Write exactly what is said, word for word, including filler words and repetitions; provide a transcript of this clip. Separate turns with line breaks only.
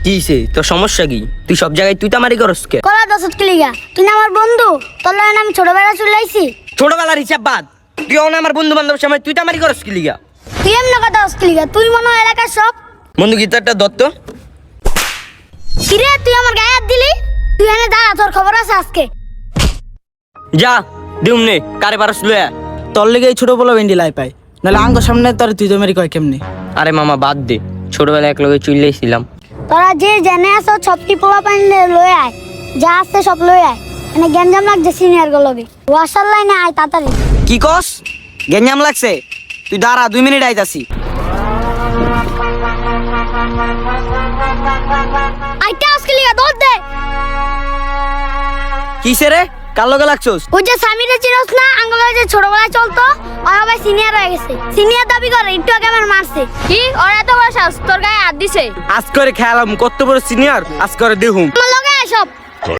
কিছে তোর সমস্যা কি? তুই সব জায়গায় তুই তামারি করস কে?
কলা দশত কিলিগা তুই না আমার বন্ধু, তোর লাগে আমি ছোটবেলা চলে আইছি।
ছোটবেলার হিসাব বাদ, তুই অন আমার বন্ধু বান্ধব সময় তুই তামারি করস কি লিগা?
তুই এমন কথা দশ কিলিগা, তুই মনে হয় এলাকার সব।
বন্ধু গীতারটা দত্ত।
কিরে তুই আমার গায়ে হাত দিলি? তুই এনে দাঁড়া, তোর খবর আছে আজকে।
যা দিউম নে কারে পারস লয়া।
তোর লেগে এই ছোট বলা ভেন্ডি লাই পাই, নাহলে আঙ্গ সামনে তোর তুই তো মেরি কয় কেমনি?
আরে মামা বাদ দে, ছোটবেলায় এক লগে চুইলেছিলাম।
তোরা যে জেনে আছো সবটি পোলা পানি লয়ে আয়, যা আছে সব লয়ে আয়। এনে গেঞ্জাম লাগছে সিনিয়র গুলোকে, ওয়াশার লাইনে আয় তাড়াতাড়ি।
কি কস? গেঞ্জাম লাগছে? তুই দাঁড়া, দুই মিনিট আইতাছি।
আইটা আজকে লিগা দৌড় দে।
কিসে রে, কার লগে লাগছস?
ওই যে সামিরে চিনস না, আঙ্গুলে যে ছোটবেলায় চলতো, ওরা ভাই সিনিয়র হয়ে গেছে। সিনিয়র দাবি করে, একটু আগে আমার মারছে।
কি ওরা এত বড় সাহস তোর গায়ে হাত দিছে?
আজ করে খেয়ালাম কত বড় সিনিয়র, আজ করে দেখুম।
আমার লগে আয় সব।